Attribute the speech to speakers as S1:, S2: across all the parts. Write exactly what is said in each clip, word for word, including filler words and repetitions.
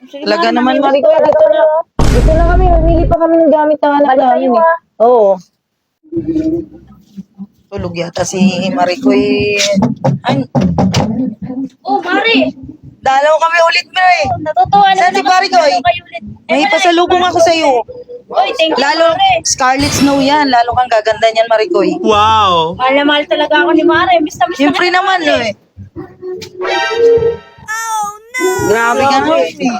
S1: Sige,
S2: Talaga
S1: ma'am,
S2: naman,
S1: namimili
S2: Mariko. Dito na. Dito na kami. Mamili pa kami ng gamit na anak
S1: Balik
S2: namin.
S1: kayo,
S2: eh.
S1: ah.
S2: Oo. Tulog yata si Marikoy. Ay,
S1: Oh, Mari!
S2: dalaw kami ulit, bro eh.
S1: Natutuwa
S2: Saan si Pare Koy?
S1: kayo ulit.
S2: May pasalubong ako sa'yo.
S1: Uy, thank you,
S2: Lalo,
S1: Mari.
S2: Scarlet Snow yan. Lalo kang gaganda niyan, Marikoy.
S3: Wow!
S1: Mahal na mahal talaga ako ni Mari. Miss na miss na
S2: Siyempre
S1: kita,
S2: naman,
S1: Mari.
S2: no eh. Grabe ka naman. eh.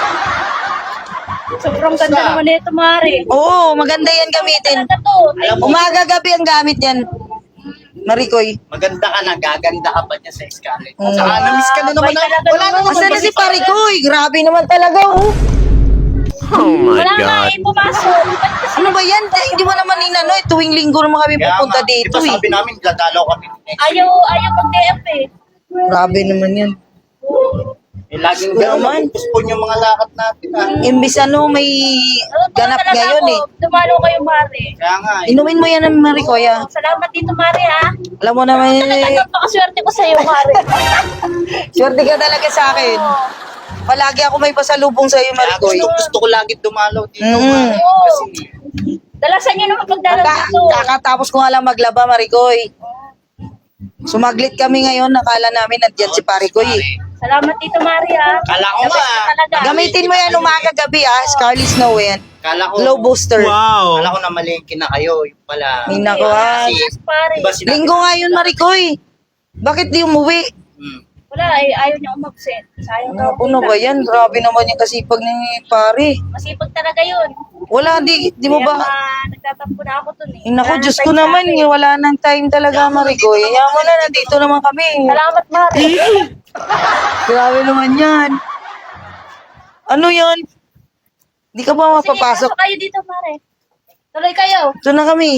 S1: Sobrang ganda naman nito, Mari.
S2: Oo, maganda yan gamitin.
S1: Talaga to. Thank you.
S2: Umaga gabi ang gamit yan. Marikoy.
S4: Maganda ka na, gaganda ka pa niya sa Scarlett.
S2: Mm.
S4: Saka na-miss ka na naman.
S1: Abay,
S4: na-
S1: talaga
S4: Wala
S1: naman.
S4: na naman.
S2: Asa na
S4: kasi
S2: si Parikoy? Grabe naman talaga, oh.
S3: Oh my
S1: Wala nga
S3: God!
S1: eh, pumasok. Ba't kasi
S2: Ano ba yan? Eh, Hindi mo naman inano eh. Tuwing linggo naman kami
S4: Kaya
S2: pupunta
S4: nga,
S2: dito
S4: di ba
S2: eh.
S4: sabi namin, dadalaw kami next week.
S1: ayaw, ayaw mag-D F eh.
S2: Grabe naman yan.
S4: Eh, laging
S2: Wala
S4: gano'n,
S2: naman.
S4: nagpupuspon yung mga lakad natin. Ah.
S2: Imbis ano, may
S1: Natutuwa
S2: ganap
S1: talaga
S2: ngayon
S1: ako.
S2: eh.
S1: Dumalo kayo, Mari.
S4: Kaya nga, eh.
S2: Inumin mo yan ng Marikoy ah.
S1: Oh, salamat dito, Mari, ha.
S2: Alam mo naman eh.
S1: Napakaswerte ko sa'yo, Mari.
S2: Swerte ka talaga sa akin.
S1: Oo.
S2: Palagi ako may pasalubong sa iyo,
S4: Kaya
S2: Marikoy.
S4: gusto, gusto ko lagi dumalaw dito.
S2: Mm.
S4: Mare.
S1: Oo.
S4: Kasi,
S1: Dalasan niyo naman pagdalaw
S2: Kaka-
S1: dito.
S2: kakatapos ko nga lang maglaba, Marikoy. Sumaglit kami ngayon, nakala namin nandiyan si Parikoy eh.
S1: Salamat dito, Mari, ha.
S4: kala ko
S1: The
S4: nga.
S1: best ka talaga.
S2: Gamitin mo yan umaga gabi ah, Scarlet Snow yan.
S4: Kala ko,
S2: Glow booster.
S3: Wow!
S4: kala ko na malingki na kayo. Yung pala.
S2: Ay, nako, ah.
S4: Kasi,
S1: Pare.
S4: diba sinabi-
S2: Linggo nga yun, Marikoy. Bakit di umuwi?
S4: Hmm.
S1: Wala, ay, ayaw niya umabsent. Sayang daw.
S2: Ano ba yan? Grabe naman yung kasipag ni pare.
S1: Masipag talaga yun.
S2: Wala, di, di mo
S1: Kaya
S2: ba?
S1: ma, nagtatampo na ako dun eh.
S2: Ay, naku,
S1: Wala
S2: Diyos
S1: nang
S2: ko
S1: time sa
S2: naman,
S1: akin.
S2: eh, wala nang time talaga, Marikoy. Kaya mo na, nandito naman kami.
S1: Salamat, Mari.
S2: Grabe naman yan. Ano yan? Di ka ba
S1: Sige,
S2: mapapasok?
S1: pasok kayo dito, Mari. Tuloy kayo.
S2: Ito na kami.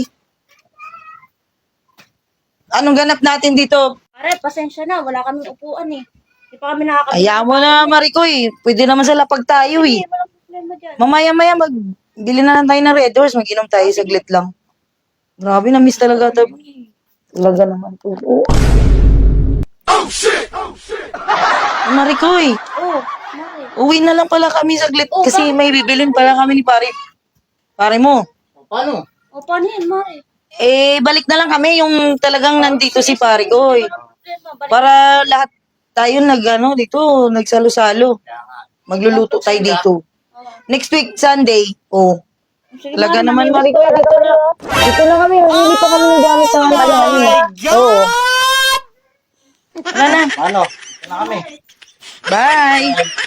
S2: Anong ganap natin dito?
S1: Pare, pasensya na. Wala kaming upuan eh. Hindi pa kami nakakabili.
S2: Ayaw mo na, Marikoy. Pwede naman sa lapag tayo eh.
S1: Hindi, walang problema dyan.
S2: Mamaya-maya, magbili na lang tayo ng Red Horse. Mag-inom tayo saglit lang. Grabe, na-miss talaga ito. Talaga naman po. Oh, shit! Oh, shit! Marikoy,
S1: Oh, Mari.
S2: uwi na lang pala kami saglit.
S1: Oh,
S2: Kasi may bibilin pala kami ni pare. Pare mo.
S4: Paano?
S1: O, paano yan, Mari?
S2: Eh, balik na lang kami yung talagang nandito si pare ko. Eh.
S1: Walang problema. Balik.
S2: Para lahat tayo nag, ano, dito, nagsalo-salo. Magluluto tayo dito. Next week, Sunday, oh.
S1: Sige,
S2: Talaga
S1: Mari,
S2: naman,
S1: mamimili
S2: Marikoy, dito na. Dito na kami, mamili pa kami ng gamit sa anak namin. Oo. Wala na.
S4: Ano? Ito na kami.
S2: Bye!